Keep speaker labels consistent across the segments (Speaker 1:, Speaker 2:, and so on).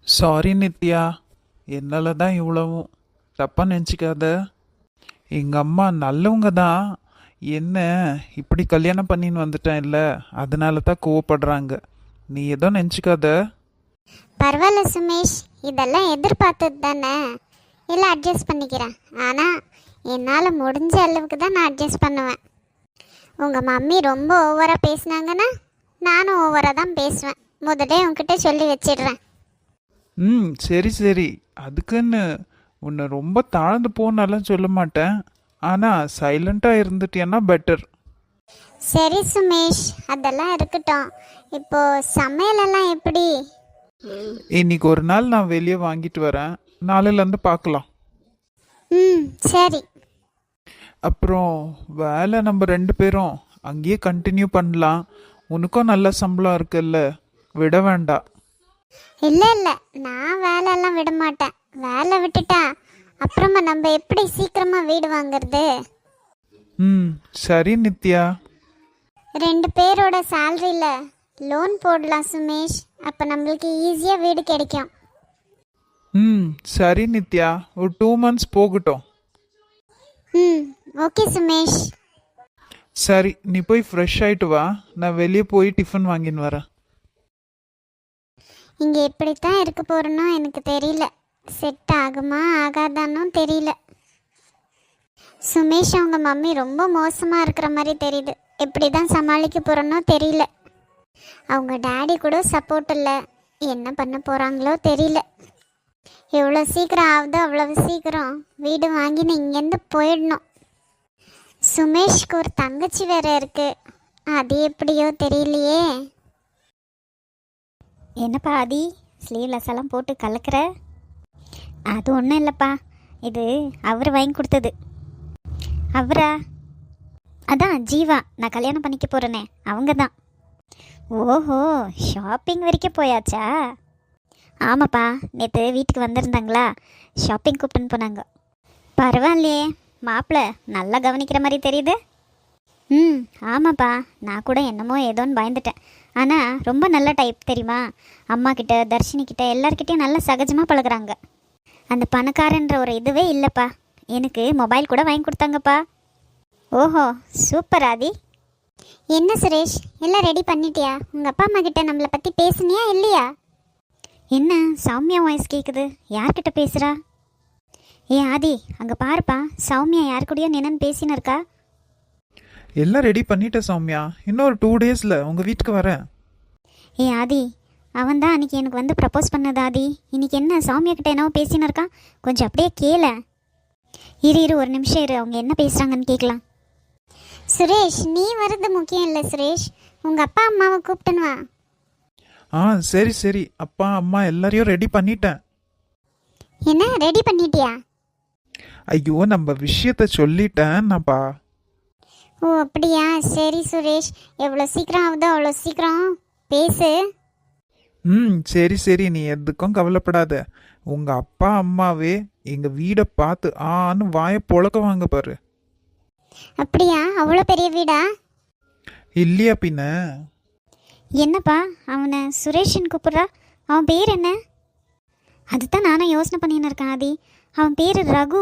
Speaker 1: Sorry Nithya, என்னால தான் இவ்வளவும். தப்பாக நினச்சிக்காத. எங்கள் அம்மா நல்லவங்க தான். என்ன இப்படி கல்யாணம் பண்ணின்னு வந்துட்டேன் இல்லை, அதனால தான் கோவப்படுறாங்க. நீ ஏதோ நினச்சிக்காத.
Speaker 2: பரவாயில்ல சுமேஷ், இதெல்லாம் எதிர்பார்த்தது தானே. இல்லை அட்ஜஸ்ட் பண்ணிக்கிறேன். ஆனால் என்னால் முடிஞ்ச அளவுக்கு தான் நான் அட்ஜஸ்ட் பண்ணுவேன். உங்கள் மம்மி ரொம்ப ஓவராக பேசுனாங்கன்னா நானும் ஓவராக தான் பேசுவேன். முதலே உங்ககிட்ட சொல்லி வச்சிடுறேன்.
Speaker 1: சரி சரி. அதுக்குன்னு உன்னை ரொம்ப தாழ்ந்து போனாலும் சொல்ல மாட்டேன். ஆனால் சைலண்ட்டாக இருந்துட்டியன்னா பெட்டர்.
Speaker 2: சரி சுமேஷ், அதெல்லாம் இருக்கட்டும். இப்போ சமையலெல்லாம் எப்படி?
Speaker 1: இன்னைக்கு ஒரு நாள் நான் வெளியே வாங்கிட்டு வரேன், நாளையிலேருந்து பார்க்கலாம்.
Speaker 2: சரி.
Speaker 1: அப்புறம் வேலை நம்ம 2 பேரும் அங்கேயே கண்டினியூ பண்ணலாம். உனக்கும் நல்ல சம்பளம் இருக்குல்ல, விட வேண்டாம்.
Speaker 2: இல்லை இல்லை, நான் வேலையெல்லாம் விட மாட்டேன். வேலை விட்டுட்டா அப்புறமா நம்ம எப்படி சீக்கிரமாக வீடு வாங்குறது?
Speaker 1: சரி நித்யா.
Speaker 2: 2 பேரோட சேலரியில் லோன் போடலாம் சுமேஷ். அப்போ நம்மளுக்கு ஈஸியாக வீடு கிடைக்கும்.
Speaker 1: சரி நித்யா, ஒரு 2 months போகட்டும்.
Speaker 2: ஓகே சுமேஷ்.
Speaker 1: சரி, நீ போய் ஃப்ரெஷ் ஆகிட்டு வா, நான் வெளியே போய் டிஃபன் வாங்கின்னு வரேன்.
Speaker 2: இங்கே எப்படித்தான் இருக்க போகிறனோ எனக்கு தெரியல. செட் ஆகுமா ஆகாதானும் தெரியல. சுமேஷ் அவங்க மம்மி ரொம்ப மோசமாக இருக்கிற மாதிரி தெரியுது. எப்படி தான் சமாளிக்க போகிறனோ தெரியல. அவங்க டேடி கூட சப்போர்ட் இல்லை. என்ன பண்ண போகிறாங்களோ தெரியல. எவ்வளோ சீக்கிரம் ஆகுதோ அவ்வளவு சீக்கிரம் வீடு வாங்கின்னு இங்கேருந்து போயிடணும். சுமேஷ்க்கு ஒரு தங்கச்சி வேற இருக்கு. அது எப்படியோ தெரியலையே.
Speaker 3: என்னப்பா ஆதி, ஸ்லீவ்லெஸ் எல்லாம் போட்டு கலக்கிற? அது ஒன்றும் இல்லைப்பா, இது அவர் வாங்கி கொடுத்தது. அவரா? அதான் ஜீவா, நான் கல்யாணம் பண்ணிக்க போகிறேனே அவங்க தான். ஓஹோ, ஷாப்பிங் வரைக்கும் போயாச்சா? ஆமாப்பா, நேற்று வீட்டுக்கு வந்திருந்தாங்களா, ஷாப்பிங் கூப்பிட்டுன்னு போனாங்க. பரவாயில்லையே, மாப்பிள்ளை நல்லா கவனிக்கிற மாதிரி தெரியுது. ஆமாப்பா, நான் கூட என்னமோ ஏதோன்னு பயந்துட்டேன். ஆனால் ரொம்ப நல்ல டைப் தெரியுமா. அம்மா கிட்ட, தர்ஷினி கிட்ட, எல்லார்கிட்டையும் நல்லா சகஜமாக பழகுறாங்க. அந்த பணக்காரன்ற ஒரு இதுவே இல்லைப்பா. எனக்கு மொபைல் கூட வாங்கி கொடுத்தாங்கப்பா. ஓஹோ, சூப்பர் ஆதி.
Speaker 2: என்ன சுரேஷ், எல்லாம் ரெடி பண்ணிட்டியா? உங்கள் அப்பா அம்மா கிட்ட நம்மளை பற்றி பேசுனியா இல்லையா?
Speaker 3: என்ன சௌமியா வாய்ஸ் கேட்குது, யார்கிட்ட பேசுகிறா? ஏ ஆதி, அங்கே பாருப்பா, சௌமியா யார் கூடயோ நின்னு பேசின்னு இருக்கா.
Speaker 1: எல்லாம் ரெடி பண்ணிட்டேன் சௌமியா, இன்னொரு 2 daysல உங்கள் வீட்டுக்கு வரேன்.
Speaker 3: ஏ ஆதி, அவன் தான் அன்றைக்கி எனக்கு வந்து ப்ரப்போஸ் பண்ணது ஆதி. இன்றைக்கி என்ன சௌமியா கிட்ட என்னவோ பேசின்னு இருக்கான், கொஞ்சம் அப்படியே கேள. இரு ஒரு நிமிஷம் இரு, அவங்க என்ன பேசுகிறாங்கன்னு கேட்கலாம்.
Speaker 2: சுரேஷ், நீ வர்றது முக்கியம் இல்லை சுரேஷ். உங்கள் அப்பா அம்மாவை கூப்பிட்டுன்னு வா.
Speaker 1: சரி சரி, அப்பா அம்மா எல்லாரையும் ரெடி பண்ணிட்டேன்.
Speaker 2: என்ன ரெடி பண்ணிட்டியா?
Speaker 1: ஐயோ, நம்ம விஷயத்த சொல்லிட்டேன்ப்பா.
Speaker 2: ஓ அப்படியா, சரி சுரேஷ், எவ்வளோ சீக்கிரம் ஆகுதோ அவ்வளோ சீக்கிரம் பேசு.
Speaker 1: சரி சரி, நீ எதுக்கும் கவலைப்படாத. உங்கள் அப்பா அம்மாவே எங்கள் வீடை பார்த்து ஆன்னு வாயை பொழக்குவாங்க பாரு.
Speaker 2: அப்படியா, அவ்வளோ பெரிய வீடா?
Speaker 1: இல்லையா பின்ன.
Speaker 3: என்னப்பா அவனை சுரேஷன் கூப்பிட்றா? அவன் பேர் என்ன? அதுதான் நானும் யோசனை பண்ணின்னு இருக்கேன் ஆதி. அவன் பேர் ரகு.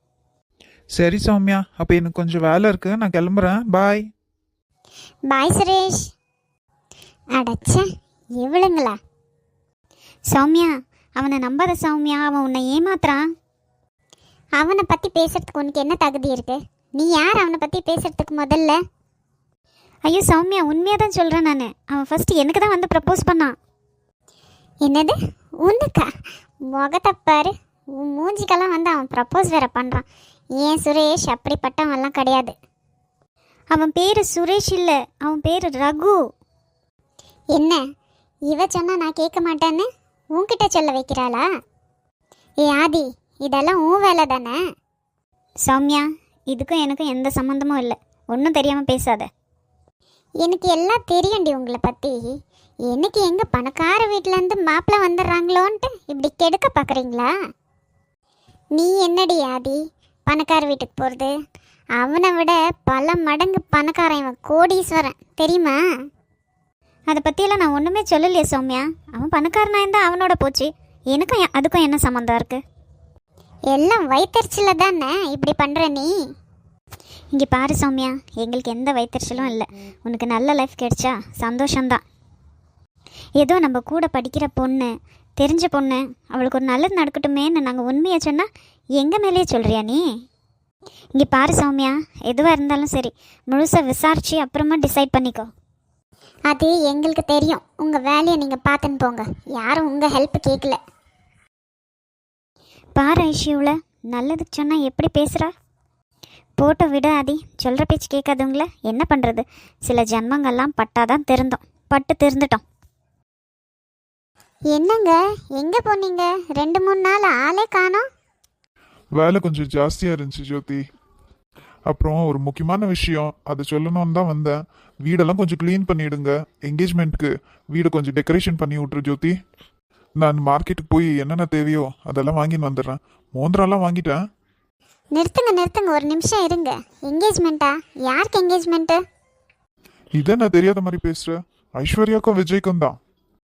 Speaker 1: சரி சௌமியா, அப்போ எனக்கு கொஞ்சம் வேலை இருக்கு, நான் கிளம்புறேன். பாய்.
Speaker 2: பாய் சுரேஷ். அடச்ச எவ்வளோங்களா?
Speaker 3: சௌமியா, அவனை நம்பாத சௌமியா, அவன் உன்னை ஏமாத்துறான்.
Speaker 2: அவனை பற்றி பேசுறதுக்கு உனக்கு என்ன தகுதி இருக்கு? நீ யார் அவனை பற்றி பேசுறதுக்கு முதல்ல?
Speaker 3: ஐயோ சௌமியா, உண்மையாக தான் சொல்கிறேன் நான். அவன் ஃபஸ்ட்டு எனக்கு தான் வந்து ப்ரப்போஸ் பண்ணான்.
Speaker 2: என்னது, உனக்கா? முகத்தை பாரு, உன் மூஞ்சிக்கெல்லாம் வந்து அவன் ப்ரப்போஸ் வேற பண்ணுறான். ஏன் சுரேஷ், அப்படிப்பட்டவன்லாம் கிடையாது.
Speaker 3: அவன் பேர் சுரேஷ் இல்லை, அவன் பேர் ரகு.
Speaker 2: என்ன இவ சொன்னா நான் கேட்க மாட்டேன்னு உன்கிட்ட சொல்ல வைக்கிறாளா? ஏ ஆதி, இதெல்லாம் உன் வேலை தானே?
Speaker 3: சௌமியா, இதுக்கும் எனக்கும் எந்த சம்மந்தமும் இல்லை, ஒன்றும் தெரியாமல் பேசாத.
Speaker 2: எனக்கு எல்லாம் தெரியும்டி உங்களை பற்றி. எனக்கு எங்கள் பணக்கார வீட்டிலேருந்து மாப்பிள்ளை வந்துடுறாங்களோன்ட்டு இப்படி கெடுக்க பார்க்குறீங்களா? நீ என்னடி ஆதி பணக்கார வீட்டுக்கு போகிறது? அவனை விட பல மடங்கு பணக்காரன் இவன், கோடீஸ்வரன் தெரியுமா?
Speaker 3: அதை பற்றியெல்லாம் நான் ஒன்றுமே சொல்லலையே சௌமியா. அவன் பணக்காரனாக இருந்தால் அவனோட போச்சு, எனக்கும் அதுக்கும் என்ன சம்மந்தம் இருக்குது?
Speaker 2: எல்லாம் வயிற்றுச்சில தானே இப்படி பண்ணுற நீ.
Speaker 3: இங்கே பாரு சௌமியா, எங்களுக்கு எந்த வயிற்றுச்சலும் இல்லை. உனக்கு நல்ல லைஃப் கிடைச்சா சந்தோஷம்தான். ஏதோ நம்ம கூட படிக்கிற பொண்ணு, தெரிஞ்ச பொண்ணு, அவளுக்கு ஒரு நல்லது நடக்கட்டுமேன்னு நாங்கள் உண்மையை சொன்னால் எங்கள் மேலேயே சொல்கிறியா நீ? இங்கே பாரு சௌமியா, எதுவாக இருந்தாலும் சரி முழுசாக விசாரித்து அப்புறமா டிசைட் பண்ணிக்கோ.
Speaker 2: அது எங்களுக்கு தெரியும். உங்கள் வேலையை நீங்கள் பார்த்துன்னு போங்க. யாரும் உங்கள் ஹெல்ப் கேட்கல.
Speaker 3: பாரு ஐஷியூவில் நல்லதுக்கு சொன்னால் எப்படி பேசுகிறா? போட்டோ விட ஆதி, சொல்கிற பேச்சு கேட்காதவங்கள என்ன பண்ணுறது? சில ஜன்மங்கள்லாம் பட்டாதான் பட்டு திருந்துட்டோம்.
Speaker 2: என்னங்க, எங்கே போனீங்க? 2-3 நாள் ஆளே காணோம்.
Speaker 4: வேலை கொஞ்சம் ஜாஸ்தியாக இருந்துச்சு ஜோதி. அப்புறம் ஒரு முக்கியமான விஷயம், அதை சொல்லணும்னு தான் வந்தேன். வீடெல்லாம் கொஞ்சம் க்ளீன் பண்ணிவிடுங்க. என்கேஜ்மெண்ட்க்கு வீடு கொஞ்சம் டெக்கரேஷன் பண்ணி விட்ரு ஜோதி. நான் மார்க்கெட்டுக்கு போய் என்னென்ன தேவையோ அதெல்லாம் வாங்கின்னு வந்துடுறேன். மோந்திராலாம் வாங்கிட்டேன்.
Speaker 2: நிறுத்துங்க, ஒரு நிமிஷம் இருங்க. என்கேஜ்மெண்ட்டா? யாருக்கு என்கேஜ்மெண்ட்டு?
Speaker 4: இதை நான் தெரியாத மாதிரி பேசுகிறேன். ஐஸ்வர்யாக்கும் விஜய்க்கும் தான்.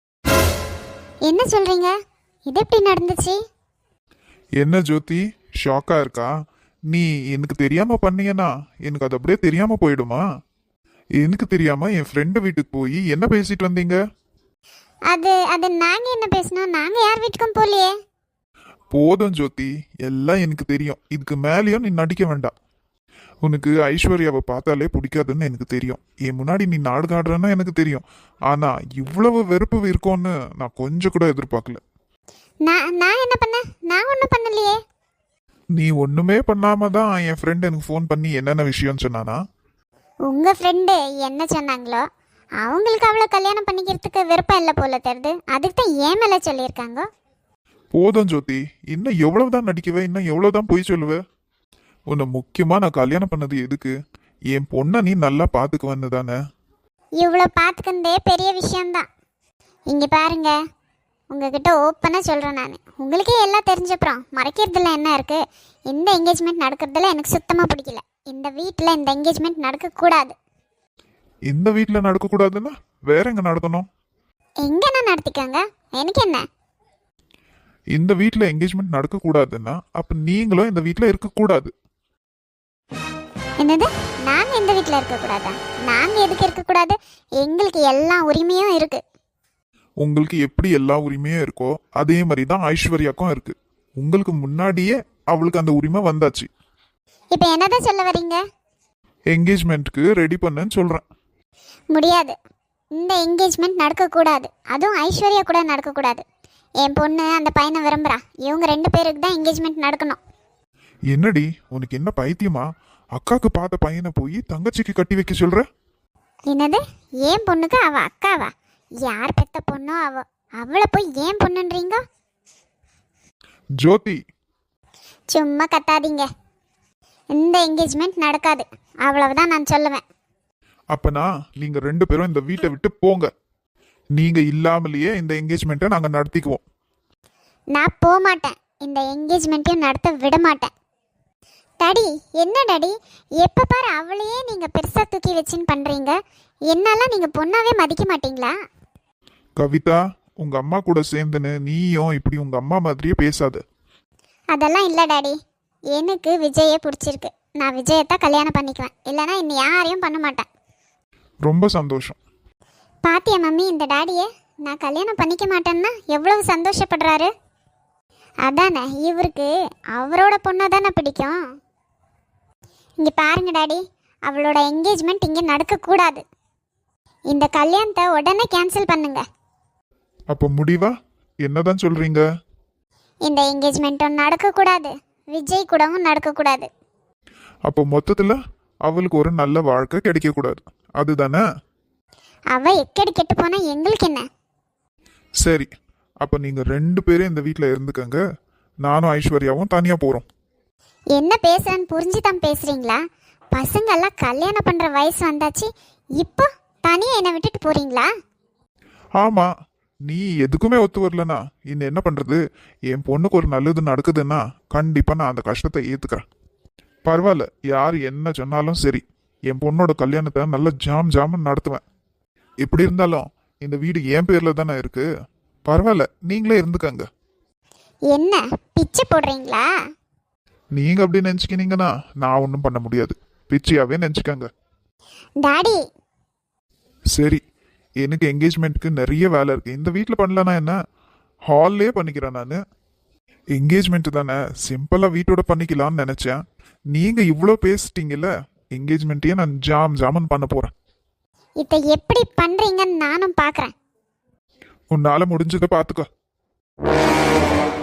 Speaker 2: என்ன சொல்கிறீங்க? இது எப்படி நடந்துச்சு?
Speaker 4: என்ன ஜோதி, ஷாக்காக இருக்கா? நீ எனக்கு தெரியாமல் பண்ணீங்கன்னா எனக்கு அது அப்படியே தெரியாமல் போயிடுமா? எனக்கு தெரியாமல் என் ஃப்ரெண்டு வீட்டுக்கு போய் என்ன பேசிட்டு வந்தீங்க?
Speaker 2: அது நாங்கள் என்ன பேசினோம்? நாங்கள் யார் வீட்டுக்கும் போகலையே.
Speaker 4: போதும் ஜோதி, எல்லாம் எனக்கு தெரியும். இதுக்கு மேலேயும் நீ நடிக்க வேண்டாம். உனக்கு ஐஸ்வர்யாவை பார்த்தாலே பிடிக்காதுன்னு எனக்கு தெரியும். என் முன்னாடி நீ நாடகம் ஆடுறன்னா எனக்கு தெரியும். ஆனால் இவ்வளவு வெறுப்பு இருக்கும்னு நான் கொஞ்சம் கூட எதிர்பார்க்கல.
Speaker 2: நான் என்ன பண்ணேன்? நான் ஒன்றும் பண்ணலையே.
Speaker 4: நீ ஒன்றுமே பண்ணாம தான் என் ஃப்ரெண்ட் எனக்கு ஃபோன் பண்ணி என்னென்ன விஷயம்னு சொன்னானா?
Speaker 2: உங்கள் ஃப்ரெண்டு என்ன சொன்னாங்களோ, அவங்களுக்கு அவ்வளோ கல்யாணம் பண்ணிக்கிறதுக்கு விருப்பம் இல்லை போல தெரியுது. அதுக்கு தான் ஏன் மேலே சொல்லியிருக்காங்க.
Speaker 4: போதும் ஜோதி, இன்னும் எவ்வளவுதான் நடிக்குவே? இன்னும் எவ்வளவுதான் பொய் சொல்லுவேன்? உன்னை முக்கியமாக நான் கல்யாணம் பண்ணது எதுக்கு? என் பொண்ணை நீ நல்லா பார்த்துக்குவன்னு தானே.
Speaker 2: இவ்வளோ பார்த்துக்கிறதே பெரிய விஷயம்தான். இங்கே பாருங்க, உங்ககிட்ட ஓப்பனாக சொல்கிறேன். நான் உங்களுக்கே எல்லாம் தெரிஞ்சப்புறம் மறைக்கிறதுல என்ன இருக்குது? இந்த என்கேஜ்மெண்ட் நடக்கிறதுல எனக்கு சுத்தமாக பிடிக்கல. இந்த வீட்டில் இந்த என்கேஜ்மெண்ட் நடக்கக்கூடாது.
Speaker 4: இந்த வீட்டில் நடக்கக்கூடாதுன்னா வேற எங்கே நடத்தணும்?
Speaker 2: எங்கன்னா நடத்திக்கோங்க, எனக்கு என்ன.
Speaker 4: இந்த வீட்டில் என்கேஜ்மெண்ட் நடக்கக்கூடாதுன்னா அப்போ நீங்களும் இந்த வீட்டில் இருக்கக்கூடாது.
Speaker 2: என்னது? நாங்கள் இந்த வீட்டில் இருக்கக்கூடாதா? நாங்கள் எதுக்கு இருக்கக்கூடாது? எங்களுக்கு எல்லா உரிமையும் இருக்குது.
Speaker 4: உங்களுக்கு எப்படி எல்லா உரிமையும் இருக்கோ அதே மாதிரி தான் ஐஸ்வர்யாக்கும் இருக்கு. உங்களுக்கு முன்னாடியே அவளுக்கு அந்த உரிமை வந்தாச்சு.
Speaker 2: இப்போ என்னதான் சொல்ல வரீங்க?
Speaker 4: என்கேஜ்மெண்ட்டுக்கு ரெடி பண்ணுன்னு சொல்கிறேன்.
Speaker 2: முடியாது. இந்த என்கேஜ்மெண்ட் நடக்கக்கூடாது. அதுவும் ஐஸ்வர்யா கூட நடக்கக்கூடாது. என் பொண்ணு அந்த பையனை விரும்புகிறா. இவங்க 2 பேருக்கு தான் என்கேஜ்மெண்ட் நடக்கணும்.
Speaker 4: என்னடி, உனக்கு என்ன பைத்தியமா? அக்காக்கு பார்த்த பையனை போய் தங்கச்சிக்கு கட்டி வைக்க சொல்ற?
Speaker 2: என்னது? ஏன் பொண்ணுக்கு அவ அக்காவா? யார் பெத்த பொண்ணோ அவளை போய் ஏன் பொண்ணுன்றீங்க?
Speaker 4: ஜோதி,
Speaker 2: சும்மா கத்தாதீங்க. இந்த என்கேஜ்மெண்ட் நடக்காது, அவ்வளவுதான் நான் சொல்லுவேன்.
Speaker 4: அப்பனா நீங்க 2 பேரும் இந்த வீட்டை விட்டு போங்க. நீங்க இல்லாமலேயே இந்த என்கேஜ்மெண்ட்டை நாங்க நடத்திக்குவோம்.
Speaker 2: நான் போக மாட்டேன். இந்த என்கேஜ்மெண்ட்டையும் நடத்த விட மாட்டேன். டாடி, என்ன டாடி, எப்போ பாரு அவளையே நீங்கள் பெருசாக தூக்கி வச்சுன்னு பண்ணுறீங்க. என்னெல்லாம் நீங்கள் பொண்ணாவே மதிக்க மாட்டீங்களா?
Speaker 4: கவிதா, உங்க அம்மா கூட சேர்ந்துன்னு நீயும் இப்படி உங்க அம்மா மாதிரியே பேசாத.
Speaker 2: அதெல்லாம் இல்லை டாடி. எனக்கு விஜயை பிடிச்சிருக்கு. நான் விஜயத்தான் கல்யாணம் பண்ணிக்குவேன். இல்லைனா இன்னும் யாரையும் பண்ண மாட்டேன்.
Speaker 4: ரொம்ப சந்தோஷம்.
Speaker 2: பாத்தியா மம்மி, இந்த டாடியை நான் கல்யாணம் பண்ணிக்க மாட்டேன்னா எவ்வளவு சந்தோஷப்படுறாரு. அதானே, இவருக்கு அவரோட பொண்ணை தானே பிடிக்கும். இங்கே பாருங்க டாடி, அவளோட என்கேஜ்மெண்ட் இங்கே நடக்கக்கூடாது. இந்த கல்யாணத்தை உடனே கேன்சல் பண்ணுங்க.
Speaker 4: அப்போ முடிவா என்னதான் சொல்றீங்க?
Speaker 2: இந்த என்கேஜ்மெண்ட்டும் நடக்கக்கூடாது, விஜய் கூடவும் நடக்கக்கூடாது.
Speaker 4: அப்போ மொத்தத்தில் அவளுக்கு ஒரு நல்ல வாழ்க்கை கிடைக்கக்கூடாது, அதுதானே?
Speaker 2: அவ எக்கடி கெட்டு போனா எங்களுக்கு என்ன?
Speaker 4: சரி, அப்போ நீங்கள் 2 பேரும் இந்த வீட்டில் இருந்துக்கங்க. நானும் ஐஸ்வர்யாவும் தனியாக போகிறோம்.
Speaker 2: என்ன பேசுறேன்னு புரிஞ்சு தான் பேசுறீங்களா? பசங்கெல்லாம் கல்யாணம் பண்ற வயசு வந்தாச்சு, இப்போ தனியா என்னை விட்டுட்டு போறீங்களா?
Speaker 4: ஆமாம், நீ எதுக்குமே ஒத்து வரலனா இன்னும் என்ன பண்ணுறது? என் பொண்ணுக்கு ஒரு நல்லது நடக்குதுன்னா கண்டிப்பாக நான் அந்த கஷ்டத்தை ஏற்றுக்கிறேன். பரவாயில்ல, யார் என்ன சொன்னாலும் சரி, என் பொண்ணோட கல்யாணத்தை நல்லா ஜாமுன்னு நடத்துவேன். எப்படி இருந்தாலும் இந்த வீடு என் பேரில் தானே இருக்குது. பரவாயில்ல, நீங்களே இருந்துக்கங்க.
Speaker 2: என்ன பிச்சை போடுறீங்களா?
Speaker 4: நீங்க அப்படி நினைச்சுக்கினீங்கன்னா நான் ஒன்றும் பண்ண முடியாது. பிச்சியாவே நினைச்சுக்கங்க.
Speaker 2: டாடி,
Speaker 4: சரி, எனக்கு என்கேஜ்மெண்ட்க்கு நிறைய வேலை இருக்கு. இந்த வீட்டில் பண்ணலன்னா என்ன, ஹால்லே பண்ணிக்கிறேன் நான். என்கேஜ்மெண்ட் தானே, சிம்பிளா வீட்டோட பண்ணிக்கலாம்னு நினைச்சேன். நீங்க இவ்வளோ பேசிட்டீங்கல்ல, என்கேஜ்மெண்ட்டையே நான் ஜாமன் பண்ண போறேன்.
Speaker 2: இதை எப்படி பண்றீங்கன்னு நானும் பார்க்குறேன்.
Speaker 4: உன்னால முடிஞ்சதை பார்த்துக்கோ.